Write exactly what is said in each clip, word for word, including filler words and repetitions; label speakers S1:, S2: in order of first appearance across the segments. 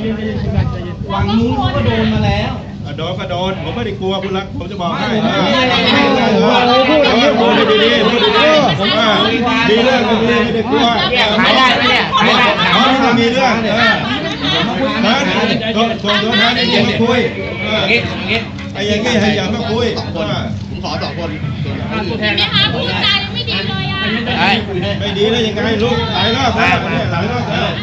S1: ฝั่งนู้นก็โดนมาแล้ว
S2: โดนก็โดนผมไม่ได้กลัวคุณละผมจะบอกให้พูดดีๆพูดดีๆดีเรื่องดีไม่ได้กลัว
S3: ขายได้ไหมเนี่ยขายได้
S2: อ๋อถ้ามีเรื่องเออนะส่วนตัวนั้นอย่ามาคุยไอ้อย่างงี้ให้อย่ามาคุย
S4: ผมขอสองคน
S5: เห็นไหมคะพูดจายังไม่ดีเลยอ่ะ
S2: ไม่ดีแล้วยังไงลูกหลายรอบแล้วหลายรอบแล้ว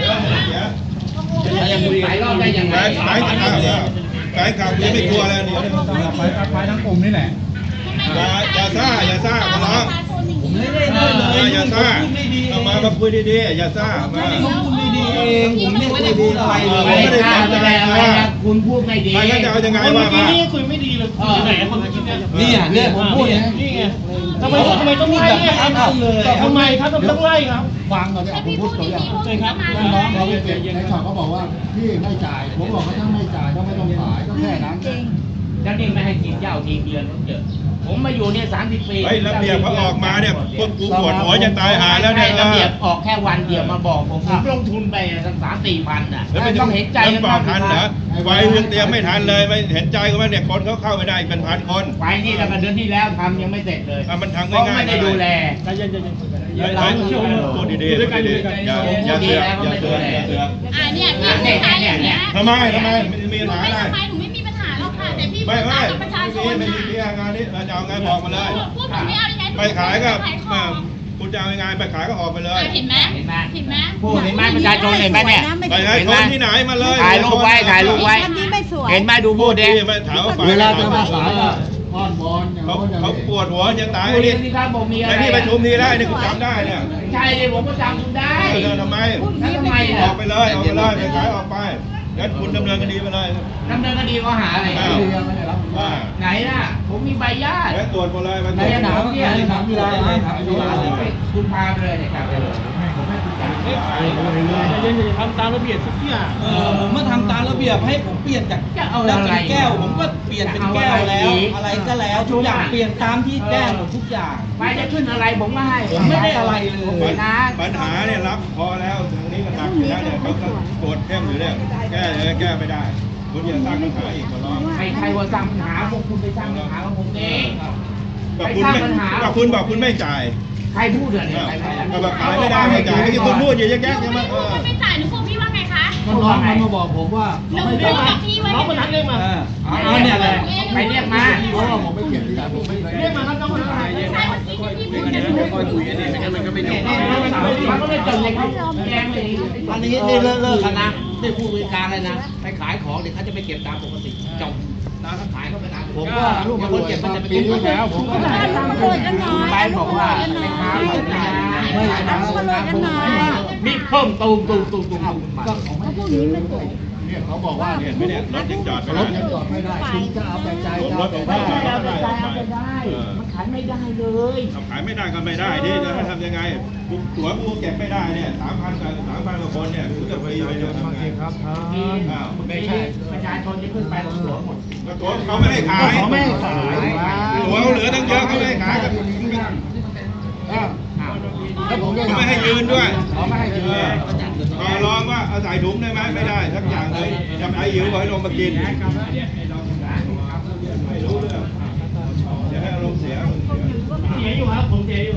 S3: หลายรอบได้ยังไง
S2: หลายข่าวแล้วหลายข่าวยังไม่กลัวแล้วเดี๋ยว
S1: ไปไปทั้งกลุ่มนี่แหละ
S2: อย่าอย่าซ่าอย่าซ่าขอร้อง
S1: ผมไม่ได้เลย
S2: อย่าซ่าเอามามาคุยดีๆอย่าซ่ามา
S1: คุยดีเองผมไม่ได้พูดอะไรเลย
S3: ไม่ได้ทำอะไรคุณพูดไม่ดี
S2: ใครจะเอายังไงว่ามา
S1: นี่คุยไม่ดีเลยไหนคนคิดเนี่ยนี่เนี่ยผมพูดเนี่ยนี่ไงทำไมทำไมต้องไล่ครับทำไมครับต้องไล่ครับฟังก่อนเนี่ยผมพูดตัวอย่างเลยครับน้องเขาในข่าวเขาบอกว่าพี่ไม่จ่ายผมบอกเขาถ้าไม่จ่ายก็ไม่ต้องขายก็แค่นั้น
S3: แล้วนี่ไม่ให้กินเหล้าทีเดือนเจอผมมาอยู่เนี่ยสามสิบปี
S2: เฮ้ยระเบียบเขาออกมาเนี่ยพวกกูปวดหัวจะตายหาแล้วเนี่ย
S3: ระเบียบออกแค่วันเดียวมาบอกผมผมลงทุนไปสักสามสี่พันอ่ะต้องเห็นใจ
S2: กันบ้างทันเหรอไฟยังเตรียมไม่ทันเลยไม่เห็นใจกันว่าเนี่ยคนเขาเข้าไม่ได้เป็นพันคน
S3: ไฟนี่ตั้งแต่เดือนที่แล้วทำยังไม่เสร็จเลย
S2: มันทำง่ายๆ
S3: ไม่ได้ดูแล
S2: พูดดีๆพูดดีๆอย่าอย่าเสือกอย่าเสือกอย่าเสือก
S5: อ่าเนี่ยพี่ชายอย่างเงี้ย
S2: ทำไมทำไมมีปัญหาอะไร
S5: ทำไมหนูไม่มีปัญหาหรอกค่ะแต่พี่พูดกับประชาชน
S2: ไม่มีงานนี้เราจะเอาไงบอกมาเลย
S5: พูดผมไม่เอายังไง
S2: ไปขายก็คุณจะเอายังไงไปขายก็ออกไปเลย
S5: เห็นไหมเห็นไหมเห็นไหม
S3: พูดเห็นไหมประชาชนเห็นไหมเนี่ย
S2: ไปให้คนที่ไหนมาเลย
S3: ถ่ายรูปไว้ถ่ายรูปไว้เห็นไหมดูพูดดิ
S2: เวลาจะมาขายอ้อนวอนเขาเขาปวดหัวจะตายนี่ในที่ประชุมนี้ได้เนี่ยคุณจำได้เนี่ย
S3: ใช่เลยผมก็จำคุณได้
S2: ทำไม
S3: ทำไม
S2: ออกไปเลยออกไปเลยไปขายออกไปงั้นคุณดำเนินคดีไปเลย
S3: ดำเนินคดีข้อหาอะไรไหนล่ะผมมีใบญาติ
S2: แล้วตรวจหมดเลย
S3: ใบหนาวเนี่ยหนาวมีอะไรคุณพาไปเลยเนี่ยครับผมให้คุณจ่ายไม่ขาย
S1: เย็นๆทำตามระเบียบทุกอย่างเออผมมาทำตามระเบียบให้ผมเปลี่ยนจากแล้วจากแก้วผมก็เปลี่ยนเป็นแก้วแล้วอะไรก็แล้วทุกอย่างเปลี่ยนตามที่แก้วหมดทุกอย่าง
S3: ไปจะขึ้นอะไรผมก็ให้
S1: ผมไม่ได้อะไรเลย
S2: นะปัญหาเนี่ยรับพอแล้วทางนี้ก็หนักอยู่แล้วเนี่ยเขาก็ตรวจเข้มอยู่เนี่ยแก้เลยแก้ไม่ได้คุณอย่าสร้างปัญหาอีกขอร้อง
S3: ใครใครว่าสร้างปัญหาพวกคุณไปสร้างปัญหาของผมเอง
S2: กับคุณไม่กับคุณบอกคุณไม่จ่าย
S3: ใครพูดเนี่ย
S2: ก็แบบขายไม่ได้ไม่จ่ายที่คุณพูดอยู่แยกๆใช่ไหม
S5: เออไม่จ่ายหนูพวกพี่ว่าไงคะ
S1: น้องมันมาบอกผมว่า
S5: น้องไม่จ่าย
S1: น้องคนนั้นเรียกมา
S3: อ๋อเนี่ยอะไรใครเรียกมา
S1: เพราะว่าผมไม่เก็บที่ไหนผมไม่เรียกมาครับน้องคนนั้น
S5: ใช่เมื่อกี้ที่พี่พูดกันอยู่
S1: ค่อยคุยกันเนี่ยมันก็ไม่จบ
S3: มันก็ไม่จบเลยเขาแจ้งเลยอันนี้ได้เลิกเลิกกันนะได้ผู้บริการเลยนะไปขายของเดี๋ยวเขาจะไปเก็บตามปกติจบนะเขาขายเขาไปตาม
S1: ผมก็ลูกคนเก็บมันจะไปเก็บที่แล้วผมก็ได้ตาม
S3: เลยไปบอกว่าไปขายไม่ได้ไม่ได้มีเพิ่มตูมตูมตูมตูม
S1: ก็ของพวกนี้ไม่ตกเนี่ยเขาบอกว่า
S2: เนี่ยไม่เนี่ยรถยังจอดไม่ได้
S1: รถยังจอดไม่ได้คุณจะเอาแต่ใจ
S2: รถไม่ได้
S3: เอาแต่ใจเอาแต่ได้มันขายไม่ได้เลย
S2: ขายไม่ได้ก็ไม่ได้ดิจะให้ทำยังไงตั๋วกูเก็บไม่ได้เนี่ยสามพันกับสามพันกว่าคนเนี่ยกูจะฟรีไปเลยทำไง
S1: ครับ
S3: อ้าวไม่ใช่ประชาชนจะขึ้นไปตั๋วหมด
S2: ตั๋วเขาไม่ให้ขาย
S1: เขาไม่ให้ขาย
S2: ตั๋วเขาเหลือตั้งเยอะเขาไม่ให้ขายกันเขาไม่ให้ยืนด้วย
S1: เขาไม่ให้ยืน
S2: ขอร้องว่าเอาใส่ถุงได้ไหมไม่ได้สักอย่างเลยจะไปหิวขอให้ลงมากินไม่รู้เรื่องอย่าให้ลงเสีย
S3: เสียอยู่ครับผมเสียอยู่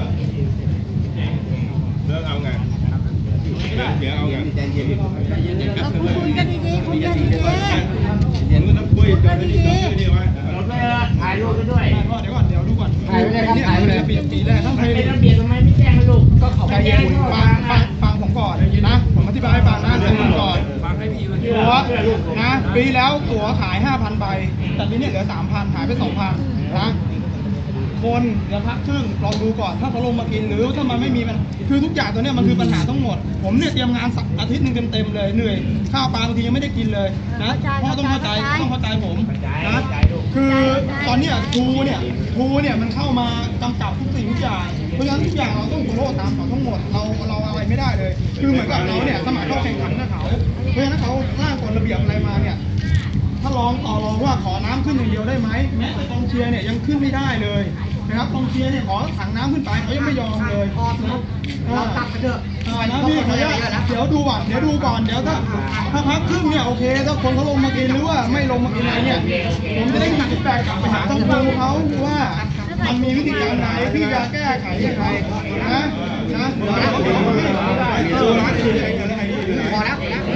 S2: เรื่องเอาไงเดี๋ยวเอาไง
S5: ใจเย็นคุยกันดีๆคุยกันดีๆ
S2: เห็นมันต้องคุยกันดีๆนี่ไว้
S3: หมดเลยถ่ายรูปไปด้วย
S1: เดี๋ยวก่อนเดี๋ยวดูก่อน
S3: ถ่ายไปเลยครับถ่ายไปเลย
S1: ปีปีแรกต้อง
S3: เป็นระเบียบทำไมไม่แจ้งให้ลูก
S1: ก็เขาไปฟังฟังฟังผมก่อนนะผมอธิบายให้ฟังนะเรื่องก่อนตั๋วนะปีแล้วตั๋วขาย ห้าพัน ใบแต่ปีนี้เหลือ สามพัน หายไป สองพัน นะคนเดี๋ยวพักครึ่งลองดูก่อนถ้าเขาลงมากินหรือถ้ามันไม่มีมันคือทุกอย่างตัวนี้มันคือปัญหาทั้งหมดผมเนี่ยเตรียมงานอาทิตย์หนึ่งเต็มๆเลยเหนื่อยข้าวปลาบางทียังไม่ได้กินเลยนะพ่อต้องเข้าใจต้องเข้าใจผมนะคือตอนนี้ทูเนี่ยทูเนี่ยมันเข้ามากำกับทุกสิ่งทุกอย่างเพราะฉะนั้นทุกอย่างเราต้องโทษตามเขาทั้งหมดเราเราอะไรไม่ได้เลยคือเหมือนกับเราเนี่ยสมัครเข้าแข่งขันกับเขาเพราะฉะนั้นเขาร่างกฎระเบียบอะไรมาเนี่ยถ้าลองต่อรองว่าขอน้ำขึ้นอย่างเดียวได้ไหมแม้แต่กองเชียร์เนี่ยยังขึ้นไม่ได้เลยนะครับกองเชียร์เนี่ยขอถังน้ำขึ้นไปเขายังไม่ยอมเลยนะเราตัดไปเถอะนะพี่ขออนุญาตเดี๋ยวดูก่อนเดี๋ยวดูก่อนเดี๋ยวถ้าถ้าพักครึ่งเนี่ยโอเคถ้าคนเขาลงมากินหรือว่าไม่ลงมากินอะไรเนี่ยผมจะได้มีฟีดแบ็กกลับไปหาทางครูเขาว่ามันมีวิธีการไหนที่จะแก้ไขยังไงนะนะเดี๋ยวเราดูร้านอื่นพอแล้ว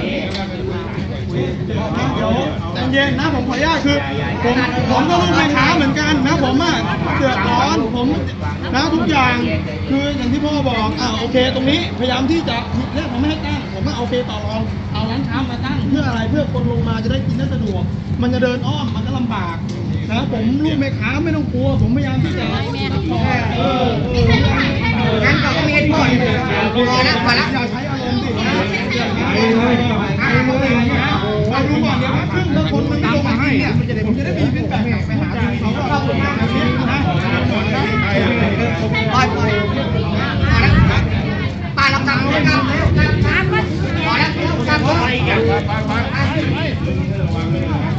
S1: เดี๋ยวใจเย็นนะผมขออนุญาตคือผมผมก็ลูกแม่ค้าเหมือนกันนะผมอ่ะเดือดร้อนผมนะทุกอย่างคืออย่างที่พ่อบอกอ่าโอเคตรงนี้พยายามที่จะเรียกผมไม่ให้ตั้งผมก็โอเคต่อรองเอาร้านค้ามาตั้งเพื่ออะไรเพื่อคนลงมาจะได้กินได้สะดวกมันจะเดินอ้อมมันก็ลำบากนะผมลูกแม่ค้าไม่ต้องกลัวผมพยายามที่จะเอองั้นก็มีเหตุผลพอแล้วพอแล้วอย่าใช้อารมณ์สินะมาดูก่อนเดี๋ยวครึ่งถ้าคนมันไม่ลงมาให้เนี่ยผมจะได้มีฟีดแบ็กกลับไปหาทีมเขาว่านะปล่อยปล่อยป้ารับตังค์ด้วยกันพอแล้ว